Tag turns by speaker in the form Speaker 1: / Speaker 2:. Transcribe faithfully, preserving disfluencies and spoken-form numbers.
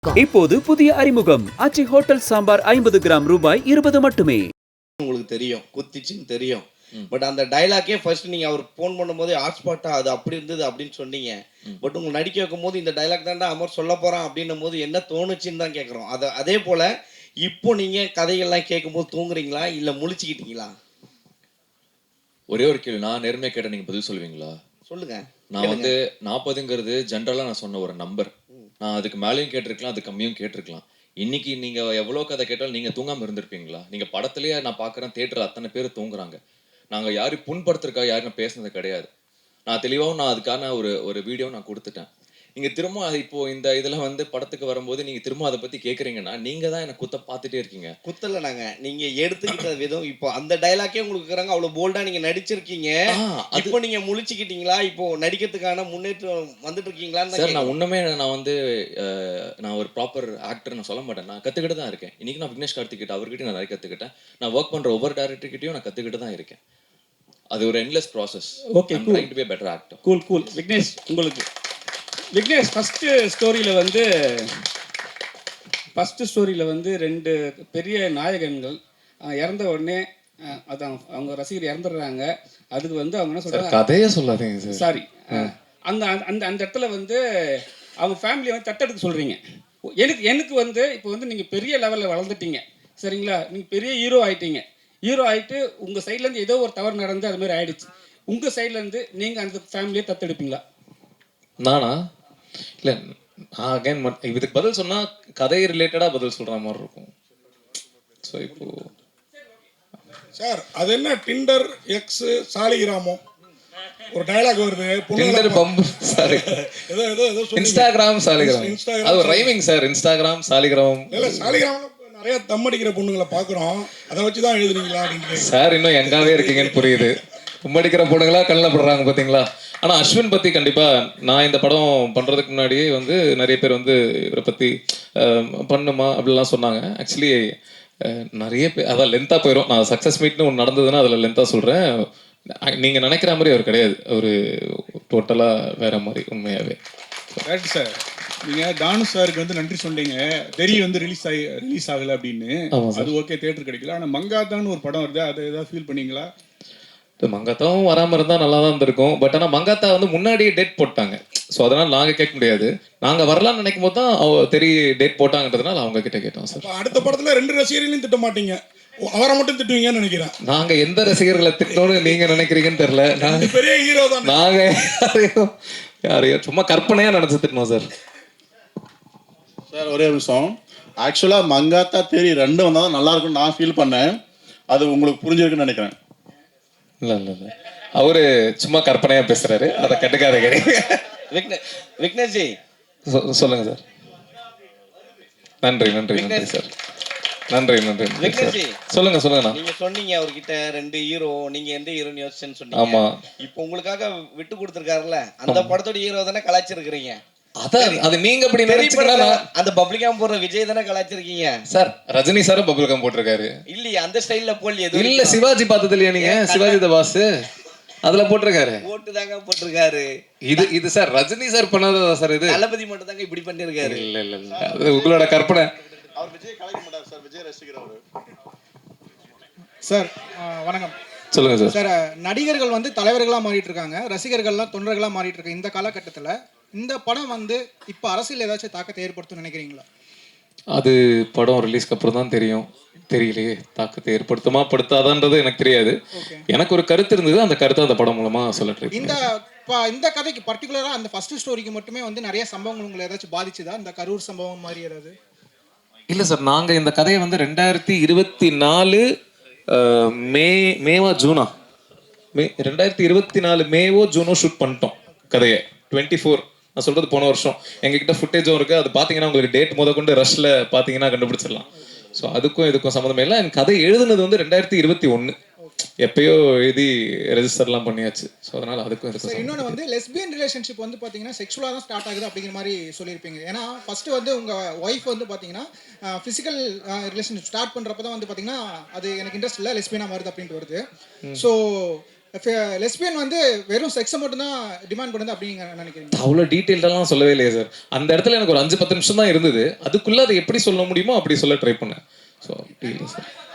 Speaker 1: இப்போது புதிய அறிமுகம் ஆச்சி ஹோட்டல் சாம்பார் ஐம்பது கிராம் ரூபாய் இருபது மட்டுமே.
Speaker 2: உங்களுக்கு தெரியும் குத்திச்சுன்னு தெரியும். பட் அந்த டைலாக்கே ஃபர்ஸ்ட் நீங்க அவர் ஃபோன் பண்ணும்போது ஹாட்ஸ்பாட்டா அது அப்படி இருந்தது அப்படின்னு சொன்னீங்க. பட் உங்களுக்கு நடிக்க வைக்கும் போது இந்த டைலாக் தான்டா அமர் சொல்ல போறான் அப்படின்னும் போது என்ன தோணுச்சுன்னு தான் கேட்குறோம். அதை அதே போல இப்போ நீங்க கதைகள்லாம் கேட்கும்போது தூங்குறீங்களா இல்லை முழிச்சுக்கிட்டீங்களா?
Speaker 3: ஒரே ஒரு கேள்வி, நான் நேர்மையாக கேட்ட நீங்கள் பதில் சொல்லுவீங்களா?
Speaker 2: சொல்லுங்க.
Speaker 3: நான் வந்து நாற்பதுங்கிறது ஜென்ரலாக நான் சொன்ன ஒரு நம்பர். நான் அதுக்கு மேலேயும் கேட்டிருக்கலாம், அது கம்மியும் கேட்டிருக்கலாம். இன்னைக்கு நீங்கள் எவ்வளோ கதை கேட்டாலும் நீங்கள் தூங்காமல் இருந்திருப்பீங்களா? நீங்கள் படத்துலேயே நான் பார்க்குறேன், தேட்டரில் அத்தனை பேர் தூங்குறாங்க. நாங்கள் யாரும் புண்படுத்துறக்கா யாரும் நான் பேசுனது கிடையாது. நான் தெளிவாகவும் நான் அதுக்கான ஒரு ஒரு வீடியோ நான் கொடுத்துட்டேன். நீங்கள் திரும்ப அது இப்போ இந்த இதில் வந்து படத்துக்கு வரும்போது நீங்கள் திரும்ப அதை பற்றி கேட்குறீங்கன்னா நீங்கள் தான் என்னை குத்த பார்த்துட்டே இருக்கீங்க.
Speaker 2: குத்தலை நாங்கள் நீங்கள் எடுத்துக்கிட்ட விதம் இப்போ அந்த டைலாக்கே உங்களுக்கு இருக்கிறாங்க, அவ்வளோ போல்டாக நீங்கள் நடிச்சிருக்கீங்க. இப்போ நீங்கள் முழிச்சுக்கிட்டீங்களா? இப்போ நடிக்கிறதுக்கான முன்னேற்றம் வந்துட்டு இருக்கீங்களான்னு
Speaker 3: சார், நான் உண்மையே நான் வந்து நான் ஒரு ப்ராப்பர் ஆக்டர் நான் சொல்ல மாட்டேன். நான் கற்றுக்கிட்டு தான் இருக்கேன். இன்றைக்கி நான் விக்னேஷ் கார்த்திகிட்ட அவர்கிட்ட நான் நிறைய கற்றுக்கிட்டேன். நான் ஒர்க் பண்ணுற ஒவ்வொரு டேரக்டர்கிட்டையும் நான் கற்றுக்கிட்டு தான் இருக்கேன். அது ஒரு endless process.
Speaker 4: Okay, cool.
Speaker 3: Trying to be a better actor.
Speaker 4: Cool cool Vignesh, உங்களுக்கு விக்னேஷ் ஃபஸ்ட்டு ஸ்டோரியில் வந்து ஃபஸ்ட்டு ஸ்டோரியில் வந்து ரெண்டு பெரிய நாயகன்கள் இறந்த உடனே அதான் அவங்க ரசிகர் இறந்துடுறாங்க. அதுக்கு வந்து அவங்க என்ன சொல்கிறாங்க,
Speaker 3: கதையே சொல்லாதீங்க சார்.
Speaker 4: சாரி, அந்த அந்த அந்த இடத்துல வந்து அவங்க ஃபேமிலியை வந்து தத்தெடுக்க சொல்கிறீங்க. எனக்கு எனக்கு வந்து இப்போ வந்து நீங்கள் பெரிய லெவலில் வளர்ந்துட்டீங்க, சரிங்களா? நீங்கள் பெரிய ஹீரோ ஆகிட்டீங்க. ஹீரோ ஆகிட்டு உங்கள் சைட்லேருந்து ஏதோ ஒரு தவறு நடந்து அது மாதிரி ஆயிடுச்சு. உங்கள் சைட்லேருந்து நீங்கள் அந்த ஃபேமிலியை தத்தெடுப்பீங்களா?
Speaker 3: நானா? இல்லை, நான் அகைன் இதுக்கு பதில் சொன்னால் கதை ரிலேட்டடாக பதில் சொல்கிற மாதிரி இருக்கும். ஸோ இப்போ
Speaker 5: சார் அது என்ன டிண்டர் எக்ஸ் சாலிகிராமம் ஒரு டயலாக் வருது.
Speaker 3: டிண்டர் பம்பு சாரி
Speaker 5: ஏதோ ஏதோ ஏதோ
Speaker 3: இன்ஸ்டாகிராம் சாலிகிராம். அது ஒரு ரைமிங் சார். இன்ஸ்டாகிராம் சாலிகிராம்.
Speaker 5: இல்லை, சாலிகிராம் நிறைய தம் அடிக்கிற பொண்ணுங்களை பார்க்குறோம், அதை வச்சு தான் எழுதுறீங்களா அப்படின்னு
Speaker 3: சார். இன்னும் எங்காவே இருக்கீங்கன்னு புரியுது. தும்மடிக்கிற பொண்ணுங்களா கண்ணில் படுறாங்க பார்த்தீங்களா? ஆனால் அஸ்வின் பற்றி கண்டிப்பாக நான் இந்த படம் பண்ணுறதுக்கு முன்னாடியே வந்து நிறைய பேர் வந்து இவரை பற்றி பண்ணுமா அப்படிலாம் சொன்னாங்க. ஆக்சுவலி நிறைய பேர் அதான் லென்த்தாக போயிடும். நான் சக்ஸஸ் மீட்னு ஒன்று நடந்ததுன்னா அதில் லென்த்தாக சொல்கிறேன். நீங்கள் நினைக்கிற மாதிரி அவர் கிடையாது. அவர் டோட்டலாக வேற மாதிரி உண்மையாகவே.
Speaker 6: ரைட் சார், நீங்கள் தானு சாருக்கு வந்து நன்றி சொன்னீங்க. தெரி வந்து ரிலீஸ் ஆகி ரிலீஸ் ஆகலை அப்படின்னு. அது ஓகே, தேட்டர் கிடைக்கல. ஆனால் மங்காத்தான்னு ஒரு படம் வருது, அதை ஏதாவது ஃபீல் பண்ணீங்களா?
Speaker 3: மங்காத்தாவும் வராமல் இருந்தால் நல்லா தான் இருந்திருக்கும். பட் ஆனால் மங்காத்தா வந்து முன்னாடியே டேட் போட்டாங்க. ஸோ அதனால் நாங்கள் கேட்க முடியாது. நாங்கள் வரலான்னு நினைக்கும் போது தான் அவ தெரிய டேட் போட்டாங்கன்றதுனால அவங்க கிட்ட கேட்டோம் சார்.
Speaker 5: அடுத்த படத்தில் ரெண்டு ரசிகர்களையும் திட்ட மாட்டீங்க, அவரை மட்டும் திட்டுவீங்கன்னு நினைக்கிறேன்.
Speaker 3: நாங்க எந்த ரசிகர்களை திட்டணும்னு நீங்க நினைக்கிறீங்கன்னு தெரியல. நாங்க
Speaker 5: பெரிய ஹீரோ தான்.
Speaker 3: நாங்க யாரையும் யாரையும் சும்மா கற்பனையா நினைச்சு திட்டணும் சார்.
Speaker 7: சார் ஒரே நிமிஷம். ஆக்சுவலாக மங்காத்தா தேரி ரெண்டும் வந்தால் தான் நல்லா இருக்கும்னு நான் ஃபீல் பண்ணேன். அது உங்களுக்கு புரிஞ்சிருக்குன்னு நினைக்கிறேன்.
Speaker 3: இல்லை இல்லை இல்லை அவரு சும்மா கற்பனையா பேசுறாரு, அதை கட்டுக்காத கிடையாது.
Speaker 2: விக்னேஷ் ஜி
Speaker 3: சொல்லுங்க சார். நன்றி நன்றி நன்றி சார். நன்றி நன்றி சொல்லுங்க சொல்லுங்க.
Speaker 2: நீங்க சொன்னீங்க அவர்கிட்ட ரெண்டு ஹீரோ, நீங்க எந்த ஹீரோன்னு யோசிச்சேன்னு சொன்னீங்க.
Speaker 3: ஆமா,
Speaker 2: இப்போ உங்களுக்காக விட்டு கொடுத்துருக்காருல்ல, அந்த படத்தோட ஹீரோ தானே கலாச்சிருக்கிறீங்க.
Speaker 3: அதான் அது நீங்க அப்படி நினைச்சீங்கன்னா
Speaker 2: அந்த பப்ளிகாம் போடுற விஜய் தானே கலாச்சிருக்கீங்க
Speaker 3: சார். ரஜினி சாரும் பப்ளிகாம் போட்டிருக்காரு.
Speaker 2: இல்லையே, அந்த ஸ்டைல்ல போடலையே.
Speaker 3: இல்ல, சிவாஜி பார்த்தது இல்லையா நீங்க? சிவாஜி த பாஸ் அதுல போட்டிருக்காரு.
Speaker 2: போட்டு தாங்க போட்டிருக்காரு.
Speaker 3: இது இது சார் ரஜினி சார் பண்ணாததா சார்? இது
Speaker 2: தளபதி மட்டும் தாங்க இப்படி பண்ணிருக்காரு.
Speaker 3: இல்ல இல்ல இல்ல அது உங்களோட கற்பனை.
Speaker 7: அவர் விஜய் கலாய்க்க மாட்டார் சார், விஜய் ரசிகர் அவரு.
Speaker 8: சார் வணக்கம்.
Speaker 3: சொல்லுங்க சார்.
Speaker 8: சார், நடிகர்கள் வந்து தலைவர்களாக மாறிட்டு இருக்காங்க, ரசிகர்கள்லாம் தொண்டர்களாக மாறிட்டு இருக்காங்க. இந்த காலகட்டத்தில் இந்த படம் வந்து இப்போ அரசியல் ஏதாச்சும் தாக்கத்தை ஏற்படுத்தும் நினைக்கிறீங்களா? அது
Speaker 3: படம் ரிலீஸ்க்கு அப்புறம் தான் தெரியும். தெரியலையே, தாக்கத்தை ஏற்படுத்துமா படுத்தாதான்றது எனக்கு தெரியாது. எனக்கு ஒரு கருத்து இருந்தது, அந்த கருத்தை அந்த படம் மூலமா சொல்லிட்டு
Speaker 8: இந்த இந்த கதைக்கு பர்டிகுலராக அந்த ஃபர்ஸ்ட் ஸ்டோரிக்கு மட்டுமே வந்து நிறைய சம்பவங்கள் உங்களை ஏதாச்சும் பாதிச்சுதா? இந்த கரூர் சம்பவம் மாதிரி ஏதாவது?
Speaker 3: இல்லை சார், நாங்கள் இந்த கதையை வந்து ரெண்டாயிரத்தி இருபத்தி நாலு மே மேவா ஜூனா மே ரெண்டாயிரத்தி இருபத்தி நாலு மேவோ ஜூனோ ஷூட் பண்ணிட்டோம் கதையை. டுவெண்ட்டி ஃபோர் நான் சொல்றது போன வருஷம். எங்ககிட்ட ஃபுட்டேஜும் இருக்கு. அது பார்த்தீங்கன்னா உங்களுக்கு டேட் முத கொண்டு ரஷ்ல பார்த்தீங்கன்னா கண்டுபிடிச்சிடலாம். ஸோ அதுக்கும் இதுக்கும் சம்மந்தமே இல்லை. எனக்கு கதை எழுதுனது வந்து ரெண்டாயிரத்தி இருபத்தி ஒன்று எப்பயோ எழுதி ரெஜிஸ்டர்லாம் பண்ணியாச்சு. ஸோ அதனால அதுக்கும் இதுக்கும்.
Speaker 8: இன்னொன்று வந்து லெஸ்பியன் ரிலேஷன்ஷிப் வந்து பார்த்தீங்கன்னா செக்ஷுவலாக தான் ஸ்டார்ட் ஆகுது அப்படிங்கிற மாதிரி சொல்லியிருப்பீங்க. ஏன்னா ஃபர்ஸ்ட் வந்து உங்கள் ஒய்ஃப் வந்து பார்த்தீங்கன்னா ஃபிசிக்கல் ரிலேஷன்ஷிப் ஸ்டார்ட் பண்ணுறப்ப தான் வந்து பார்த்தீங்கன்னா அது எனக்கு இன்ட்ரெஸ்ட் இல்லை, லெஸ்பியனாக வருது அப்படின்ட்டு வருது. ஸோ லெஸ்பியன் வந்து வெறும் செக்ஸை மட்டும் தான் டிமாண்ட் பண்ணுது அப்படிங்க நினைக்கிறீங்க?
Speaker 3: அவ்வளோ டீட்டெயில்டெல்லாம் சொல்லவே இல்லையே சார். அந்த இடத்துல எனக்கு ஒரு அஞ்சு பத்து நிமிஷம் தான் இருந்தது. அதுக்குள்ளே அதை எப்படி சொல்ல முடியுமோ அப்படி சொல்ல ட்ரை பண்ணேன். ஸோ அப்படி இல்லை சார்.